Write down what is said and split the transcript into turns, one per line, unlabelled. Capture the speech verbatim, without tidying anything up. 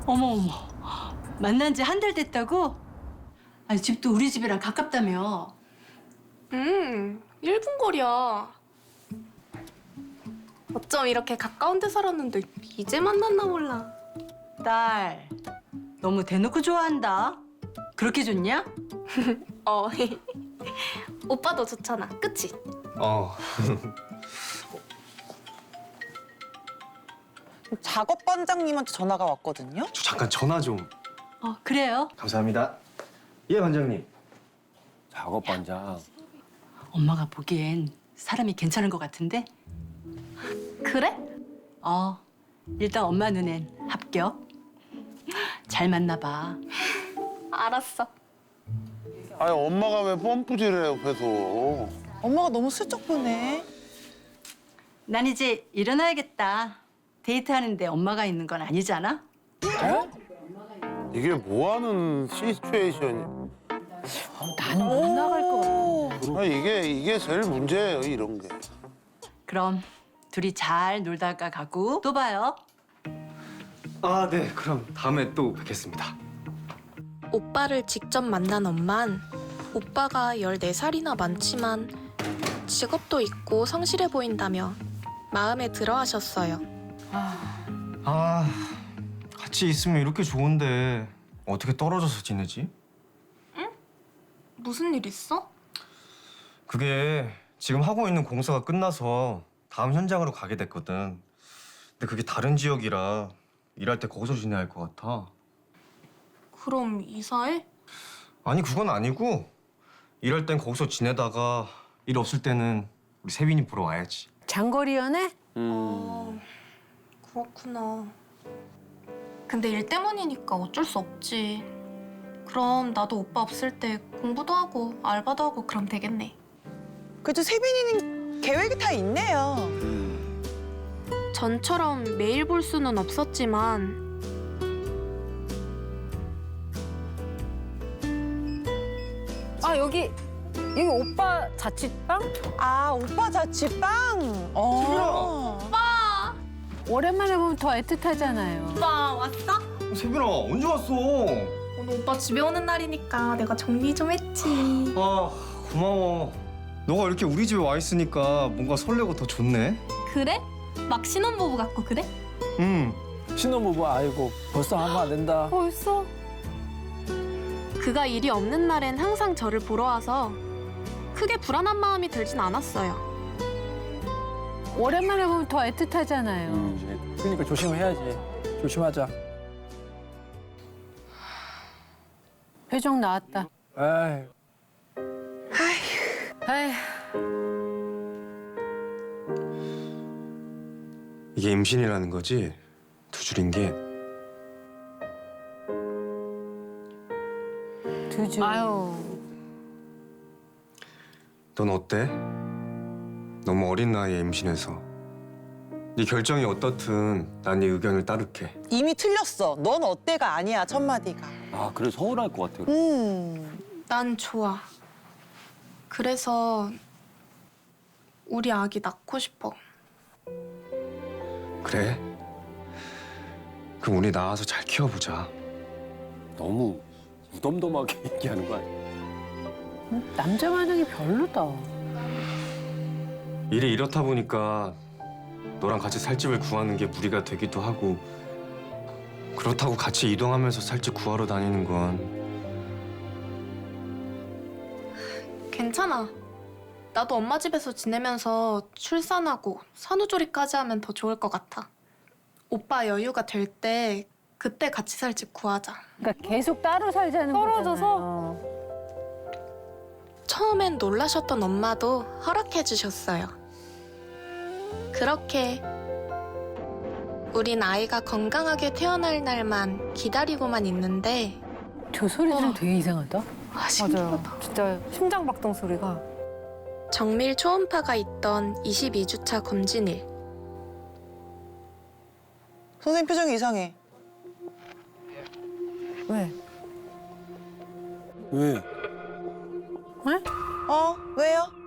어머 어머. 만난 지 한 달 됐다고? 아니 집도 우리 집이랑 가깝다며.
음, 일 분 거리야. 어쩜 이렇게 가까운 데 살았는데 이제 만났나 몰라.
딸, 너무 대놓고 좋아한다. 그렇게 좋냐?
어, 오빠도 좋잖아, 그치?
어.
작업 반장님한테 전화가 왔거든요.
저 잠깐 전화 좀.
어 그래요?
감사합니다. 예, 반장님.
작업 반장.
엄마가 보기엔 사람이 괜찮은 것 같은데?
그래?
어, 일단 엄마 눈엔 합격. 잘 만나 봐.
알았어.
아니 엄마가 왜 펌프질해 옆에서.
엄마가 너무 슬쩍 보네.
난 이제 일어나야겠다. 데이트하는데 엄마가 있는 건 아니잖아?
이게 뭐 하는 시츄에이션이.
나는 못 나갈 것 같아.
아 이게 이게 제일 문제예요 이런 게.
그럼 둘이 잘 놀다가 가고 또 봐요.
아, 네. 그럼 다음에 또 뵙겠습니다.
오빠를 직접 만난 엄만 오빠가 열네 살이나 많지만 직업도 있고 성실해 보인다며 마음에 들어 하셨어요.
아, 같이 있으면 이렇게 좋은데 어떻게 떨어져서 지내지?
무슨 일 있어?
그게 지금 하고 있는 공사가 끝나서 다음 현장으로 가게 됐거든. 근데 그게 다른 지역이라 일할 때 거기서 지내야 할 것 같아.
그럼 이사해?
아니, 그건 아니고 일할 땐 거기서 지내다가 일 없을 때는 우리 세빈이 보러 와야지.
장거리 연애?
어, 그렇구나. 근데 일 때문이니까 어쩔 수 없지. 그럼 나도 오빠 없을 때 공부도 하고 알바도 하고 그럼 되겠네.
그래도 세빈이는 계획이 다 있네요.
전처럼 매일 볼 수는 없었지만
아 여기 여기 오빠 자취방?
아, 오빠 자취방? 어.
오랜만에 보면 더 애틋하잖아요.
오빠 왔어?
세빈아, 언제 왔어?
오늘 오빠 집에 오는 날이니까 내가 정리 좀 했지.
아, 고마워. 너가 이렇게 우리 집에 와 있으니까 뭔가 설레고 더 좋네.
그래? 막 신혼부부 같고 그래?
응.
신혼부부 아이고 벌써 하면 안 된다.
벌써?
그가 일이 없는 날엔 항상 저를 보러 와서 크게 불안한 마음이 들진 않았어요.
오랜만에 보면 더 애틋하잖아요.
음, 그러니까 조심해야지. 조심하자.
표정 나왔다.
에이.
아휴.
이게 임신이라는 거지? 두 줄인 게.
두 줄. 아유.
넌 어때? 너무 어린 나이에 임신해서. 네 결정이 어떻든 난 네 의견을 따를게.
이미 틀렸어. 넌 어때가 아니야, 첫 마디가.
아 그래 서운할 것 같아.
음.
난 좋아. 그래서 우리 아기 낳고 싶어.
그래? 그럼 우리 나와서 잘 키워보자.
너무 무덤덤하게 얘기하는 거 아니야?
남자 반응이 별로다.
일이 이렇다 보니까 너랑 같이 살 집을 구하는 게 무리가 되기도 하고, 그렇다고 같이 이동하면서 살 집 구하러 다니는 건
괜찮아. 나도 엄마 집에서 지내면서 출산하고 산후조리까지 하면 더 좋을 것 같아. 오빠 여유가 될 때 그때 같이 살 집 구하자.
그러니까 계속 따로 살자는
떨어져서?
거잖아요.
처음엔 놀라셨던 엄마도 허락해 주셨어요. 그렇게 우린 아이가 건강하게 태어날 날만 기다리고만 있는데
저 소리 들으면
어.
되게 이상하다.
아, 신기하다.
진짜 심장박동 소리가.
정밀 초음파가 있던 이십이 주차 검진일.
선생님 표정이 이상해.
왜?
왜?
왜?
어? 왜요?